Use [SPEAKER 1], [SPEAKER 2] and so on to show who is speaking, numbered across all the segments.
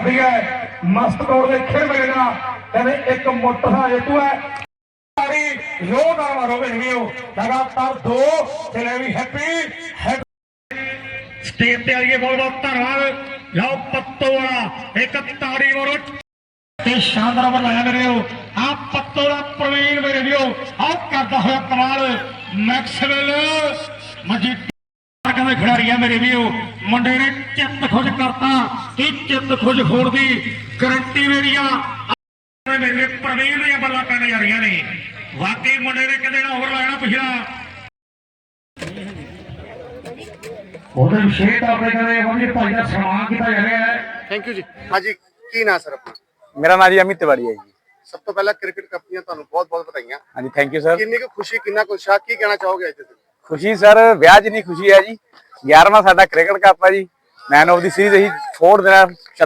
[SPEAKER 1] छड्डी है मस्त तौर के खेल मेरे ना कहते एक मोटा हेतु है लगातार दो चले भी हैप्पी स्टेज पे आइए बहुत बहुत धन्यवाद लाओ पत्तों वाला एक ताड़ी मारो शानदार ओवर लाया मेरे आप पत्तों का प्रवीण मेरे लियो आप करता हुआ कमाल मैक्सवेल मजीठिया खिडारी है मेरे लियो मुंडे ने चित्त खुश करता चित्त खुश होने की गारंटी मेरी मेरे प्रवीण दी बल्ला पैन जा रही ने वाकई मुंडे ने कहते ओवर लाया पिछला
[SPEAKER 2] थैंक यू जी। हाँ जी की ना सर अपना
[SPEAKER 3] मेरा नाम जी अमित तिवाड़ी है जी।
[SPEAKER 2] सब तो पहला क्रिकेट कप ਦੀਆਂ ਤੁਹਾਨੂੰ ਬਹੁਤ ਵਧਾਈਆਂ।
[SPEAKER 3] हाँ जी थैंक यू सर।
[SPEAKER 2] ਕਿੰਨੀ ਕੁ ਖੁਸ਼ੀ ਕਿੰਨਾ ਕੁ ਉਤਸ਼ਾਹ ਕੀ ਕਹਿਣਾ ਚਾਹੋਗੇ ਅੱਜ ਤੁਸੀਂ?
[SPEAKER 3] खुशी सर ਵਿਆਹ ਜਿੰਨੀ ਖੁਸ਼ੀ ਹੈ ਜੀ 11ਵਾਂ ਸਾਡਾ ਕ੍ਰਿਕਟ ਕੱਪ ਹੈ ਜੀ ਮੈਨ ਆਫ ਦੀ ਸੀਰੀਜ਼ ਅਸੀਂ 4 ਦਿਨਾਂ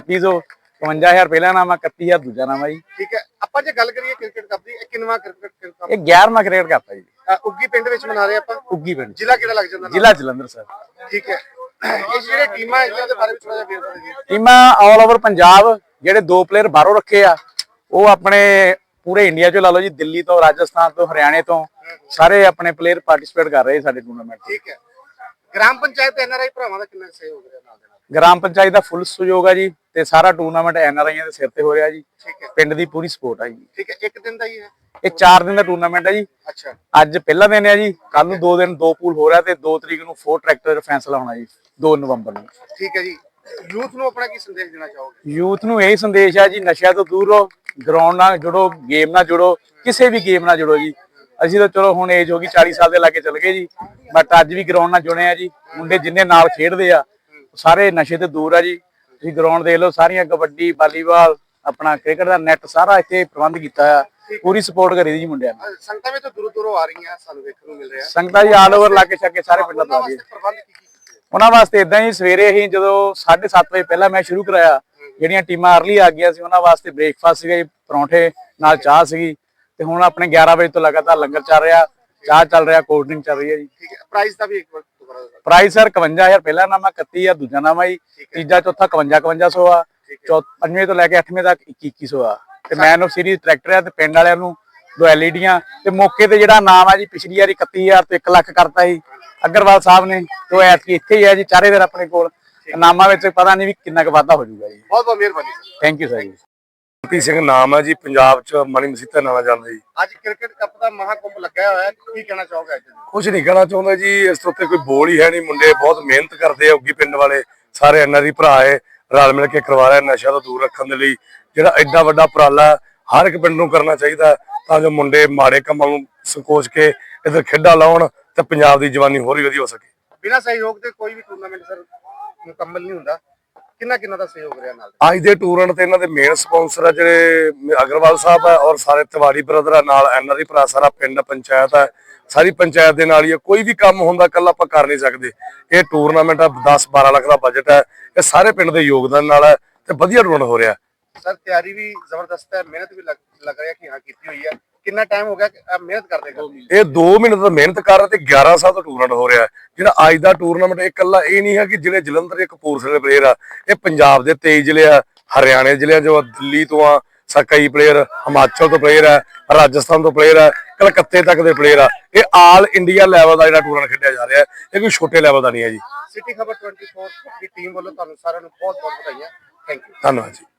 [SPEAKER 3] 3651 ਪਹਿਲਾ ਨਾਮ ਹੈ 31000 ਦੂਜਾ ਨਾਮ ਹੈ ਜੀ।
[SPEAKER 2] ਠੀਕ ਹੈ ਆਪਾਂ ਜੇ ਗੱਲ ਕਰੀਏ ਕ੍ਰਿਕਟ ਕੱਪ ਦੀ ਇਹ ਕਿੰਨਵਾਂ ਕ੍ਰਿਕਟ ਕੱਪ
[SPEAKER 3] ਇਹ 11ਵਾਂ ਕ੍ਰਿਕਟ ਕੱਪ ਹੈ ਜੀ।
[SPEAKER 2] ਉੱਗੀ ਪਿੰਡ ਵਿੱਚ ਮਨਾ ਰਹੇ ਆਪਾਂ
[SPEAKER 3] ਉੱਗੀ ਪਿੰਡ
[SPEAKER 2] ਜ਼ਿਲ੍ਹਾ ਕਿਹੜਾ ਲੱਗ ਜਾਂਦਾ?
[SPEAKER 3] ਜ਼ਿਲ੍ਹਾ ਜਲੰਧਰ ਸਰ।
[SPEAKER 2] ਠੀਕ ਹੈ ਇਹ ਜਿਹੜੇ ਟੀਮਾਂ ਇਹਨਾਂ ਦੇ ਬਾਰੇ ਵਿੱਚ ਥੋੜਾ ਜਿਹਾ ਵੇਰਵਾ ਦਿਓ।
[SPEAKER 3] ਟੀਮਾਂ ਆਲ ਓਵਰ ਪੰਜਾਬ ਜਿਹੜੇ ਦੋ ਪਲੇਅਰ ਬਾਹਰੋਂ ਰੱਖੇ ਆ ਉਹ ਆਪਣੇ ਪੂਰੇ ਇੰਡੀਆ ਚੋਂ ਲਾ ਲਓ ਜੀ ਦਿੱਲੀ ਤੋਂ ਰਾਜਸਥਾਨ ਤੋਂ ਹਰਿਆਣੇ ਤੋਂ ਸਾਰੇ ਆਪਣੇ ਪਲੇਅਰ ਪਾਰਟਿਸਿਪੇਟ ਕਰ ਰਹੇ ਸਾਡੇ ਟੂਰਨਾਮੈਂਟ।
[SPEAKER 2] ਠੀਕ ਹੈ ਗ੍ਰਾਮ ਪੰਚਾਇਤ ਐਨਆਰਆਈ ਭਰਾਵਾਂ ਦਾ ਕਿੰਨਾ ਸਹਿਯੋਗ ਰਿਹਾ ਨਾਲ ਦੇ ਨਾਲ?
[SPEAKER 3] ਗ੍ਰਾਮ ਪੰਚਾਇਤ ਦਾ ਫੁੱਲ ਸਹਿਯੋਗ ਆ ਜੀ ਤੇ ਸਾਰਾ ਟੂਰਨਾਮੈਂਟ ਐਨਆਰਆਈਆਂ ਦੇ ਸਿਰ ਤੇ ਹੋ ਰਿਹਾ ਜੀ।
[SPEAKER 2] ਠੀਕ ਹੈ
[SPEAKER 3] ਪਿੰਡ ਦੀ ਪੂਰੀ ਸਪੋਰਟ ਆ ਜੀ।
[SPEAKER 2] ਠੀਕ ਹੈ ਇੱਕ ਦਿਨ ਦਾ ਹੀ ਹੈ?
[SPEAKER 3] ਇਹ 4 ਦਿਨ ਦਾ ਟੂਰਨਾਮੈਂਟ ਹੈ ਜੀ।
[SPEAKER 2] ਅੱਛਾ
[SPEAKER 3] ਅੱਜ ਪਹਿਲਾ ਦਿਨ ਹੈ ਜੀ ਕੱਲ ਨੂੰ 2 ਦਿਨ 2 ਪੂਲ ਹੋ ਰਿਹਾ ਤੇ 2 ਤਰੀਕ ਨੂੰ 4 ਟਰੈਕਟਰ ਫੈਸਲਾ ਹੋਣਾ ਜੀ 2 ਨਵੰਬਰ ਨੂੰ।
[SPEAKER 2] ਠੀਕ ਹੈ ਜੀ ਯੂਥ ਨੂੰ ਆਪਣਾ ਕੀ ਸੰਦੇਸ਼ ਦੇਣਾ ਚਾਹੋਗੇ?
[SPEAKER 3] ਯੂਥ ਨੂੰ ਇਹ ਸੰਦੇਸ਼ ਹੈ ਜੀ ਨਸ਼ਿਆਂ ਤੋਂ ਦੂਰ ਰਹੋ ਗਰਾਊਂਡ ਨਾਲ ਜੁੜੋ ਗੇਮ ਨਾਲ ਜੁੜੋ ਕਿਸੇ ਵੀ ਗੇਮ ਨਾਲ ਜੁੜੋ ਜੀ। ਅਸੀਂ ਤਾਂ ਚਲੋ ਹੁਣ ਏਜ ਹੋ ਗਈ 40 ਸਾਲ ਦੇ ਲਾਗੇ ਚੱਲ ਗਏ ਜੀ ਬਟ ਅੱਜ ਵੀ ਗਰਾਊਂਡ ਨਾਲ ਜੁੜੇ ਆ ਜੀ। ਮੁੰਡੇ ਜਿੰਨੇ ਨਾਲ ਖੇਡਦੇ ਆ ਸਾਰੇ ਨਸ਼ੇ ਤੋਂ ਦੂਰ ਆ ਜੀ। ਤੁਸੀਂ ਗਰਾਊਂਡ ਦੇਖ ਲਓ ਸਾਰੀਆਂ ਕਬੱਡੀ ਵਾਲੀਬਾਲ ਆਪਣਾ ਕ੍ਰਿਕਟ ਦਾ ਨੈਟ ਸਾਰਾ ਇੱਥੇ ਪ੍ਰਬੰਧ ਕੀਤਾ ਆ ਪੂਰੀ ਸਪੋਰਟ ਕਰੀ ਦੀ ਜੀ ਮੁੰਡਿਆਂ ਨੂੰ।
[SPEAKER 2] ਸੰਗਤਾਂ ਵੀ ਤਾਂ ਦੂਰੋਂ ਦੂਰੋਂ ਆ ਰਹੀਆਂ ਸਾਨੂੰ ਵੇਖਣ ਨੂੰ ਮਿਲ ਰਿਹਾ।
[SPEAKER 3] ਸੰਗਤਾਂ ਜੀ ਆਲ ਓਵਰ ਲਾਗੇ ਛਾਗੇ ਸਾਰੇ ਪਿੰਡਾਂ ਤੋਂ ਆ ਜੀ।
[SPEAKER 2] ਪ੍ਰਬੰਧ ਕੀ
[SPEAKER 3] ਉਹਨਾਂ ਵਾਸਤੇ ਇਦਾਂ ਹੀ ਸਵੇਰੇ ਅਸੀਂ ਜਦੋਂ 7:30 ਵਜੇ ਪਹਿਲਾਂ ਮੈਚ ਸ਼ੁਰੂ ਕਰਾਇਆ ਜਿਹੜੀਆਂ ਟੀਮਾਂ ਅਰਲੀ ਆ ਗਈਆਂ ਸੀ ਉਹਨਾਂ ਵਾਸਤੇ ਬ੍ਰੇਕਫਾਸਟ ਸੀਗਾ ਜੀ ਪਰੌਂਠੇ ਨਾਲ ਚਾਹ ਸੀਗੀ ਤੇ ਹੁਣ ਆਪਣੇ 11 ਵਜੇ ਤੋਂ ਲਗਾਤਾਰ ਲੰਗਰ ਚੱਲ ਰਿਹਾ ਚਾਹ ਚੱਲ ਰਿਹਾ ਕੋਲਡ ਡਰਿੰਕ ਚੱਲ ਰਹੀ ਹੈ ਜੀ।
[SPEAKER 2] ਠੀਕ ਹੈ ਪ੍ਰਾਈਸ ਦਾ ਵੀ ਇੱਕ ਵਾਰ ਦੁਬਾਰਾ
[SPEAKER 3] ਪ੍ਰਾਈਸ ਸਰ 51000 ਪਹਿਲਾ ਨਾਮ 31000 ਦੂਜਾ ਨਾਮ ਆ ਜੀ ਤੀਜਾ ਚੌਥਾ 5500 ਆ ਪੰਜਵੇਂ ਤੋਂ ਲੈ ਕੇ 8ਵੇਂ ਤੱਕ 2100 ਆ ਤੇ ਮੈਨ ਆਫ ਸੀਰੀਜ਼ ਟਰੈਕਟਰ ਆ ਤੇ ਪਿੰਡ ਵਾਲਿਆਂ ਨੂੰ 2 ਐਲਈਡੀਆਂ ਤੇ ਮੌਕੇ ਤੇ ਜਿਹੜਾ ਨਾਮ ਆ ਜੀ ਪਿਛਲੀ ਵਾਰੀ 31000 ਤੋਂ 1 ਲੱਖ ਕਰਤਾ ਸੀ ਅਗਰਵਾਲ ਸਾਹਿਬ ਨੇ ਤੇ ਐਤਕੀ ਇੱਥੇ ਹੀ ਆ ਜੀ ਚਾਰੇ ਦਿਨ ਆਪਣੇ ਕੋਲ ਨਾਮਾਂ ਵਿੱਚ ਪਤਾ ਨਹੀਂ ਵੀ ਕਿੰਨਾ ਕੁ ਵਾਧਾ ਹੋ ਜਾਊਗਾ ਜੀ।
[SPEAKER 2] ਬਹੁਤ ਬਹੁਤ ਮਿਹਰਬਾਨੀ ਸਰ।
[SPEAKER 3] ਥੈਂਕ ਯੂ ਸਰ ਜੀ।
[SPEAKER 4] ਮਨਪ੍ਰੀਤ ਸਿੰਘ ਨਾਮ ਹੈ ਜੀ ਪੰਜਾਬ ਚ ਮਣੀ ਮਸੀਤਾ ਨਾਮ ਜਾਂਦਾ ਜੀ।
[SPEAKER 2] ਅੱਜ ਕ੍ਰਿਕਟ ਕੱਪ ਦਾ ਮਹਾਕੁੰਭ ਲੱਗਿਆ ਹੋਇਆ ਹੈ ਕੀ ਕਹਿਣਾ ਚਾਹੋਗੇ ਅੱਜ?
[SPEAKER 4] ਕੁਝ ਨਹੀਂ ਕਹਿਣਾ ਚਾਹੁੰਦਾ ਜੀ ਇਸ ਤੋਂ ਉੱਤੇ ਕੋਈ ਬੋਲ ਹੀ ਹੈ ਨਹੀਂ। ਮੁੰਡੇ ਬਹੁਤ ਮਿਹਨਤ ਕਰਦੇ ਆ ਉੱਗੀ ਪਿੰਡ ਵਾਲੇ ਸਾਰੇ ਐਨਆਰਆਈ ਭਰਾ ਹੈ ਰਲ ਮਿਲ ਕੇ ਕਰਵਾ ਰਿਹਾ ਨਸ਼ਾ ਤੋਂ ਦੂਰ ਰੱਖਣ ਦੇ ਲਈ ਜਿਹੜਾ ਐਡਾ ਵੱਡਾ ਉਪਰਾਲਾ ਹਰ ਇੱਕ ਪਿੰਡ ਨੂੰ ਕਰਨਾ ਚਾਹੀਦਾ ਤਾਂ ਜੋ ਮੁੰਡੇ ਮਾੜੇ ਕੰਮਾਂ ਨੂੰ ਸੰਕੋਚ ਕੇ ਇੱਧਰ ਖੇਡਾਂ ਲਾਉਣ ਤੇ ਪੰਜਾਬ ਦੀ ਜਵਾਨੀ ਹੋਰ ਵੀ ਵਧੀਆ ਹੋ ਸਕੇ।
[SPEAKER 2] ਬਿਨਾਂ ਸਹਿਯੋਗ ਦੇ ਕੋਈ ਵੀ ਟੂਰਨਾਮੈਂਟ ਸਰ ਮੁਕੰਮਲ ਨਹੀਂ ਹੁੰਦਾ। ਕਿੰਨਾ ਦਾ ਸਹਿਯੋਗ ਰਿਹਾ ਨਾਲ?
[SPEAKER 4] ਅੱਜ ਦੇ ਟੂਰਨਾਮੈਂਟ ਤੇ ਇਹਨਾਂ ਦੇ ਮੇਨ ਸਪਾਂਸਰ ਆ ਜਿਹੜੇ ਅਗਰਵਾਲ ਸਾਹਿਬ ਆ ਔਰ ਸਾਰੇ ਤਿਵਾੜੀ ਬ੍ਰਦਰ ਆ ਨਾਲ ਐਨਆਰਆਈ ਭਰਾ ਸਾਰਾ ਪਿੰਡ ਪੰਚਾਇਤ ਆ ਸਾਰੀ ਪੰਚਾਇਤ ਦੇ ਨਾਲ ਹੀ ਆ। ਕੋਈ ਵੀ ਕੰਮ ਹੁੰਦਾ ਕੱਲ ਆਪਾਂ ਕਰ ਨਹੀਂ ਸਕਦੇ। ਇਹ ਟੂਰਨਾਮੈਂਟ ਆ 10-12 ਲੱਖ ਦਾ ਬਜਟ ਹੈ ਇਹ ਸਾਰੇ ਪਿੰਡ ਦੇ ਯੋਗਦਾਨ ਨਾਲ ਹੈ ਤੇ ਵਧੀਆ ਟੂਰਨਾਮੈਂਟ ਹੋ ਰਿਹਾ।
[SPEAKER 2] ਸਰ ਤਿਆਰੀ ਵੀ ਜ਼ਬਰਦਸਤ ਹੈ ਮਿਹਨਤ ਵੀ ਲੱਗ ਰਿਹਾ ਕਿ ਹਾਂ ਕੀਤੀ ਹੋਈ ਹੈ। ਕਿੰਨਾ ਟਾਈਮ ਹੋ ਗਿਆ ਮਿਹਨਤ ਕਰਦੇ?
[SPEAKER 4] ਇਹ 2 ਮਹੀਨੇ ਤੋਂ ਮਿਹਨਤ ਕਰ ਰਹੇ ਤੇ 11 ਸਾਲ ਤੋਂ ਟੂਰਨਾਮੈਂਟ ਹੋ ਰਿਹਾ। ਜਿਹੜਾ ਅੱਜ ਦਾ ਟੂਰਨਾਮੈਂਟ ਇਹ ਇਕੱਲਾ ਇਹ ਨਹੀਂ ਹੈ ਕਿ ਜਿਹੜੇ ਜਲੰਧਰ ਦੇ ਕਪੂਰਥਲੇ ਦੇ ਪਲੇਅਰ ਆ ਇਹ ਪੰਜਾਬ ਦੇ 23 ਜ਼ਿਲ੍ਹੇ ਆ ਹਰਿਆਣੇ ਜ਼ਿਲ੍ਹੇ ਜੋ ਦਿੱਲੀ ਤੋਂ ਆ ਕਈ ਪਲੇਅਰ ਹਿਮਾਚਲ ਤੋਂ ਪਲੇਅਰ ਆ ਰਾਜਸਥਾਨ ਤੋਂ ਪਲੇਅਰ ਆ ਕਲਕੱਤੇ ਤੱਕ ਦੇ ਪਲੇਅਰ ਆ। ਇਹ ਆਲ ਇੰਡੀਆ ਲੈਵਲ ਦਾ ਜਿਹੜਾ ਟੂਰਨਾਮੈਂਟ ਖੇਡਿਆ ਜਾ ਰਿਹਾ ਇਹ ਕੋਈ ਛੋਟੇ ਲੈਵਲ ਦਾ ਨਹੀਂ ਹੈ ਜੀ।
[SPEAKER 2] ਸਿਟੀ ਖਬਰ 24 ਦੀ ਟੀਮ ਵੱਲੋਂ ਤੁਹਾਨੂੰ ਸਾਰਿਆਂ ਨੂੰ ਬਹੁਤ ਬਹੁਤ ਵਧਾਈਆਂ। Thank you.
[SPEAKER 4] ਧੰਨਵਾਦ ਜੀ।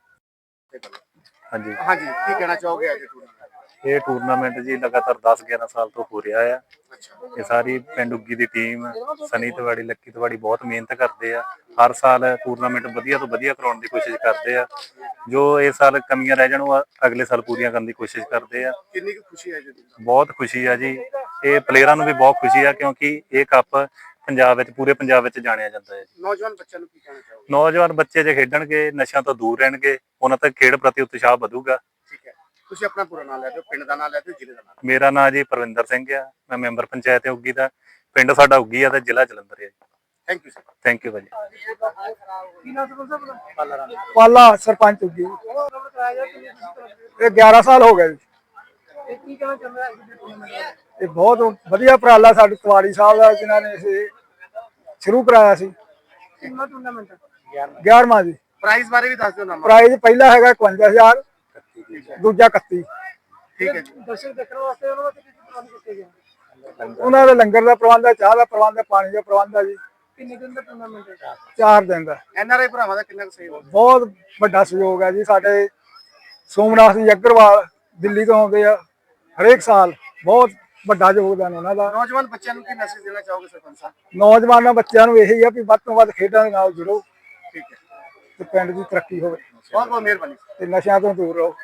[SPEAKER 5] ਹਾਂਜੀ
[SPEAKER 2] ਹਾਂਜੀ ਕੀ ਕਹਿਣਾ ਚਾਹੋਗੇ ਅੱਜ ਟੂਰਨਾਮੈਂਟ?
[SPEAKER 5] ਇਹ ਟੂਰਨਾਮੈਂਟ ਜੀ ਲਗਾਤਾਰ 10-11 ਸਾਲ ਤੋਂ ਹੋ ਰਿਹਾ ਆ। ਇਹ ਸਾਰੀ ਪਿੰਡ ਉੱਗੀ ਦੀ ਟੀਮ ਸਨੀ ਤਿਵਾੜੀ ਲੱਕੀ ਤਿਵਾੜੀ ਬਹੁਤ ਮਿਹਨਤ ਕਰਦੇ ਆ। ਹਰ ਸਾਲ ਟੂਰਨਾਮੈਂਟ ਵਧੀਆ ਤੋਂ ਵਧੀਆ ਕਰਾਉਣ ਦੀ ਕੋਸ਼ਿਸ਼ ਕਰਦੇ ਆ। ਜੋ ਇਸ ਸਾਲ ਕਮੀਆਂ ਰਹਿ ਜਾਣ ਉਹ ਅਗਲੇ ਸਾਲ ਪੂਰੀਆਂ ਕਰਨ ਦੀ ਕੋਸ਼ਿਸ਼ ਕਰਦੇ ਆ।
[SPEAKER 2] ਕਿੰਨੀ ਕੁ ਖੁਸ਼ੀ ਹੈ ਜੀ?
[SPEAKER 5] ਬਹੁਤ ਖੁਸ਼ੀ ਆ ਜੀ। ਇਹ ਪਲੇਅਰਾਂ ਨੂੰ ਵੀ ਬਹੁਤ ਖੁਸ਼ੀ ਆ ਕਿਉਂਕਿ ਇਹ ਕੱਪ ਪੰਜਾਬ ਵਿੱਚ ਪੂਰੇ ਪੰਜਾਬ ਵਿੱਚ ਜਾਣਿਆ ਜਾਂਦਾ ਹੈ।
[SPEAKER 2] ਨੌਜਵਾਨ ਬੱਚਿਆਂ ਨੂੰ ਕੀ ਕਹਿਣਾ ਚਾਹੋਗੇ?
[SPEAKER 5] ਨੌਜਵਾਨ ਬੱਚੇ ਜੇ ਖੇਡਣਗੇ ਨਸ਼ਿਆਂ ਤੋਂ ਦੂਰ ਰਹਿਣਗੇ ਉਹਨਾਂ ਤੱਕ ਖੇਡ ਪ੍ਰਤੀ ਉਤਸ਼ਾਹ ਵਧੂਗਾ।
[SPEAKER 2] ਠੀਕ ਹੈ ਤੁਸੀਂ ਆਪਣਾ ਪੂਰਾ ਨਾਮ ਲੈ ਦਿਓ ਪਿੰਡ ਦਾ ਨਾਮ ਲੈ ਦਿਓ ਜ਼ਿਲ੍ਹੇ ਦਾ ਨਾਮ।
[SPEAKER 5] ਮੇਰਾ ਨਾਮ ਜੀ ਪਰਵਿੰਦਰ ਸਿੰਘ ਆ। ਮੈਂ ਮੈਂਬਰ ਪੰਚਾਇਤ ਉੱਗੀ ਦਾ। ਪਿੰਡ ਸਾਡਾ ਉੱਗੀ ਆ ਤੇ ਜ਼ਿਲ੍ਹਾ ਜਲੰਧਰ ਹੈ।
[SPEAKER 2] Thank you sir.
[SPEAKER 5] Thank you ਭਾਜੀ।
[SPEAKER 6] ਪਾਲਾ ਸਰਪੰਚ ਉੱਗੀ ਇਹ 11 ਸਾਲ ਹੋ ਗਏ ਜੀ। ਇਹ ਬਹੁਤ ਵਧੀਆ ਉਪਰਾਲਾ ਸਾਡੇ ਤਿਵਾੜੀ ਸਾਹਿਬ ਦਾ ਜਿਨ੍ਹਾਂ ਨੇ ਇਹ ਸ਼ੁਰੂ ਕਰਾਇਆ ਸੀ। 11ਵਾਂ ਜੀ।
[SPEAKER 2] ਪ੍ਰਾਈਜ਼ ਬਾਰੇ ਵੀ ਦੱਸ ਦਿਓ ਨਾਮ।
[SPEAKER 6] ਪ੍ਰਾਈਜ਼ ਪਹਿਲਾ ਹੈਗਾ 51000, ਦੂਜਾ 31।
[SPEAKER 2] ਠੀਕ ਹੈ ਜੀ।
[SPEAKER 6] ਦਰਸ਼ਕ ਦੇਖਣ ਵਾਸਤੇ ਉਹਨਾਂ ਵਾਸਤੇ ਕੀ ਪ੍ਰਬੰਧ ਕੀਤੇ ਗਏ? ਉਹਨਾਂ ਦਾ ਲੰਗਰ ਦਾ ਪ੍ਰਬੰਧ ਹੈ, ਚਾਹ ਦਾ ਪ੍ਰਬੰਧ ਹੈ, ਪਾਣੀ ਦਾ ਪ੍ਰਬੰਧ ਹੈ ਜੀ। ਕਿੰਨੇ ਦਿਨ ਦਾ ਟੂਰਨਾਮੈਂਟ ਹੈ? 4 ਦਿਨ ਦਾ।
[SPEAKER 2] ਐਨਆਰਆਈ ਭਰਾਵਾਂ ਦਾ ਕਿੰਨਾ ਕੁ ਸਹਿਯੋਗ?
[SPEAKER 6] ਬਹੁਤ ਵੱਡਾ ਸਹਿਯੋਗ ਹੈ ਜੀ। ਸਾਡੇ ਸੋਮਨਾਥ ਜੀ ਅਗਰਵਾਲ ਦਿੱਲੀ ਤੋਂ ਆਉਂਦੇ ਆ ਹਰੇਕ ਸਾਲ, ਬਹੁਤ ਵੱਡਾ ਯੋਗਦਾਨ ਉਹਨਾਂ ਦਾ।
[SPEAKER 2] ਨੌਜਵਾਨ ਬੱਚਿਆਂ ਨੂੰ ਕੀ ਮੈਸੇਜ ਦੇਣਾ ਚਾਹੋਗੇ ਸਰਪੰਚ ਸਾਹਿਬ?
[SPEAKER 6] ਨੌਜਵਾਨਾਂ ਬੱਚਿਆਂ ਨੂੰ ਇਹੀ ਆ ਵੀ ਵੱਧ ਤੋਂ ਵੱਧ ਖੇਡਾਂ ਦੇ ਨਾਲ ਜੁੜੋ
[SPEAKER 2] ਠੀਕ ਹੈ,
[SPEAKER 6] ਤੇ ਪਿੰਡ ਦੀ ਤਰੱਕੀ ਹੋਵੇ
[SPEAKER 2] ਬਹੁਤ ਬਹੁਤ ਮਿਹਰਬਾਨੀ।
[SPEAKER 6] ਤੇ ਨਸ਼ਿਆਂ ਤੋਂ ਦੂਰ ਰਹੋ।